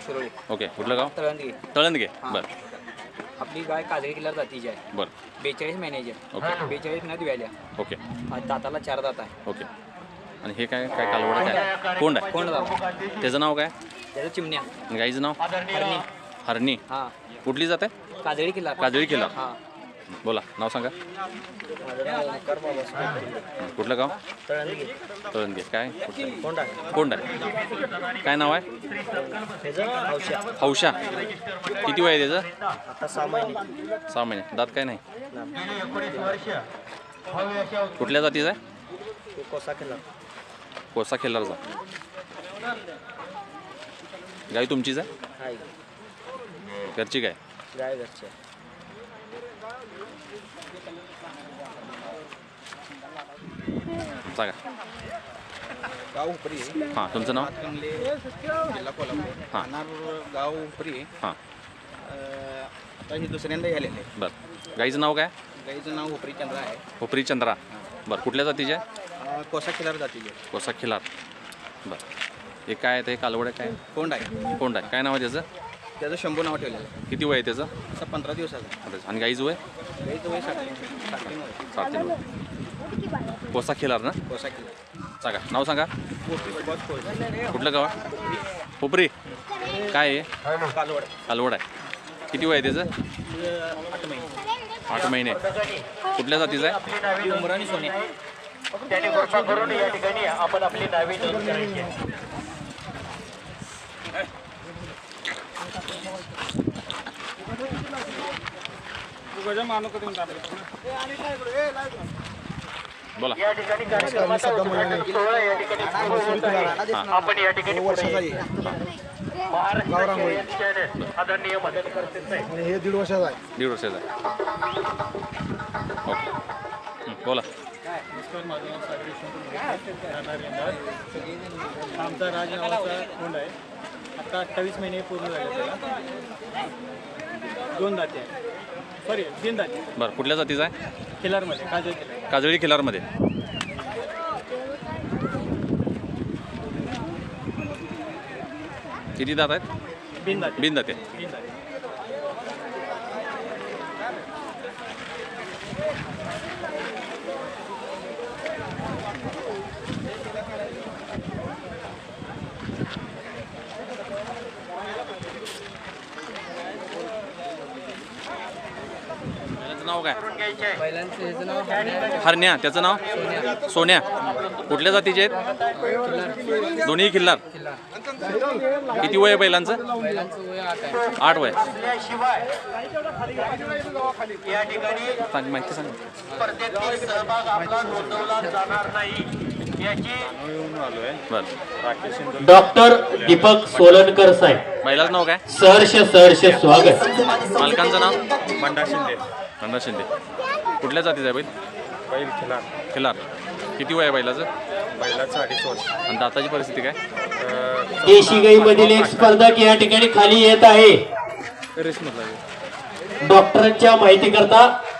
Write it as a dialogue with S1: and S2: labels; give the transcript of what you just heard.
S1: शिरोळी.
S2: Okay, कुठलं गाव?
S1: तळंदगे.
S2: तळंदगे.
S1: हां.
S2: बरं
S1: आपली गाय काजळी किल्ला जातीची आहे.
S2: बरं
S1: 42 महिन्याची आहे.
S2: ओके
S1: 42 महिन्यात व्याल्या.
S2: ओके
S1: दाताला 4 दात आहे.
S2: ओके. आणि हे काय काय कालवड आहे काय? कोंड आहे.
S1: कोण दात?
S2: त्याचं नाव काय?
S1: त्याचं चिमण्या.
S2: आणि गाईचं नाव?
S1: हरणी.
S2: हरणी.
S1: हां.
S2: कुठली जात आहे?
S1: काजळी किल्ला.
S2: काजळी किल्ला.
S1: हां.
S2: बोला नाव सांगा.
S1: माझं नाव ओंकार बाबा.
S2: कुठलं गाव?
S1: तळंदगे.
S2: तळंदगे. काय
S1: कोण आहे?
S2: कोंड आहे. काय नाव आहे?
S1: त्याचं हौशा.
S2: हौशा. किती वय आहे त्याचं?
S1: आता 6 महिने.
S2: 6 महिने. दात काय नाही. कुठल्या जातीचं आहे?
S1: तो कोसा किल्ला.
S2: कोसा खिल्लारचा. गाय तुमचीच आहे?
S1: आहे.
S2: घरची गाय?
S1: गाय घरची आहे.
S2: सांगा.
S3: गाव उपरी आहे.
S2: हां तुमचं नाव?
S3: हातकणंगले, जिल्हा कोल्हापूर.
S2: हां.
S3: राहणार गाव उपरी आहे.
S2: हां
S3: आता हे दुसऱ्यांदा झालेलं आहे.
S2: बरं. गाईचं नाव काय?
S3: गाईचं नाव उपरी चंद्र आहे.
S2: उपरी चंद्रा. बरं कुठल्या जातीचे आहे?
S3: कोसा खिलार जातीचे.
S2: कोसा खिलार. बरं हे काय आहे ते कालवड आहे काय?
S3: कोंड आहे.
S2: कोंड आहे. काय नाव आहे त्याचं?
S3: त्याचं शंभू नाव ठेवलेलं आहे.
S2: किती वय आहे त्याचं?
S3: आता 15 दिवसाचा.
S2: आणि गाईचं वय?
S3: गाईचं वय 60
S2: 7 वय. कोसा खिलार ना?
S3: कोसा खिलार.
S2: सांगा नाव सांगा.
S3: सुभाष कोळी.
S2: कुठलं गाव? उपरी. काय आहे?
S3: कालवड.
S2: कालवड आहे. किती वय आहे त्याचं?
S3: 8 महिने.
S2: 8 महिने. कुठल्या जातीचं आहे?
S3: उमरा आणि सोन्या.
S4: त्याने कृपा करून या ठिकाणी आपण आपली नावे नोंद करायची.
S2: बोला.
S4: या ठिकाणी कार्यक्रमाचा उद्घाटन सोहळा या ठिकाणी सुरू होत आहे. आपण या ठिकाणी
S3: वर्षाचा
S4: पुढे
S3: आहे.
S4: महाराष्ट्र चॅनल आदरणीय मदत करते साहेब.
S3: आणि हे 1.5 वर्षाचा आहे.
S2: 1.5 वर्षाचा आहे. ओके बोला.
S5: नमस्कार, माझं नाव सागरी राहणार यंदाज. आमचा राज नावाचा कोंड आहे. आता 28 महिने पूर्ण झाले त्याला. 2 दाते आहे. सॉरी 3 दाते.
S2: बरं कुठल्या जातीचा आहे?
S5: खिलारमध्ये काजळ खिलार.
S2: काजळी खिलारमध्ये. किती दात आहेत?
S5: बिन दाते.
S2: बिन दाते.
S5: बिन दाते.
S2: त्याचं नाव काय?
S1: बैलांचं ह्याचं नाव हरण्या आहे.
S2: हरण्या. त्याचं नाव? सोन्या. कुठल्या जातीचे आहेत? दोन्ही खिल्लार.
S1: किल्ला.
S2: किती वय आहे बैलांचं?
S1: बैलांचं वय 8 आहे.
S2: 8 वय.
S4: शिवाय या ठिकाणी
S2: सांग माहिती सांग.
S4: स्पर्धेतील सहभाग आपला नोंदवला जाणार नाही याची
S2: बरं.
S4: डॉक्टर दीपक सोलनकर साहेब
S2: बैलाचं नाव काय?
S4: सहर्ष स्वागत.
S2: मालकांचं नाव?
S5: बंडा शिंदे.
S2: बंडा शिंदे. कुठल्या जातीचा आहे बैल?
S5: बैल खिलार.
S2: खिलार. किती वय आहे बैलाचं?
S5: बैलाचं 2.5 वर्ष.
S2: आणि दाताची परिस्थिती काय?
S4: देशी गाईमधील एक स्पर्धक या ठिकाणी खाली येत आहे.
S5: रेसमधला.
S4: डॉक्टरांच्या माहिती करता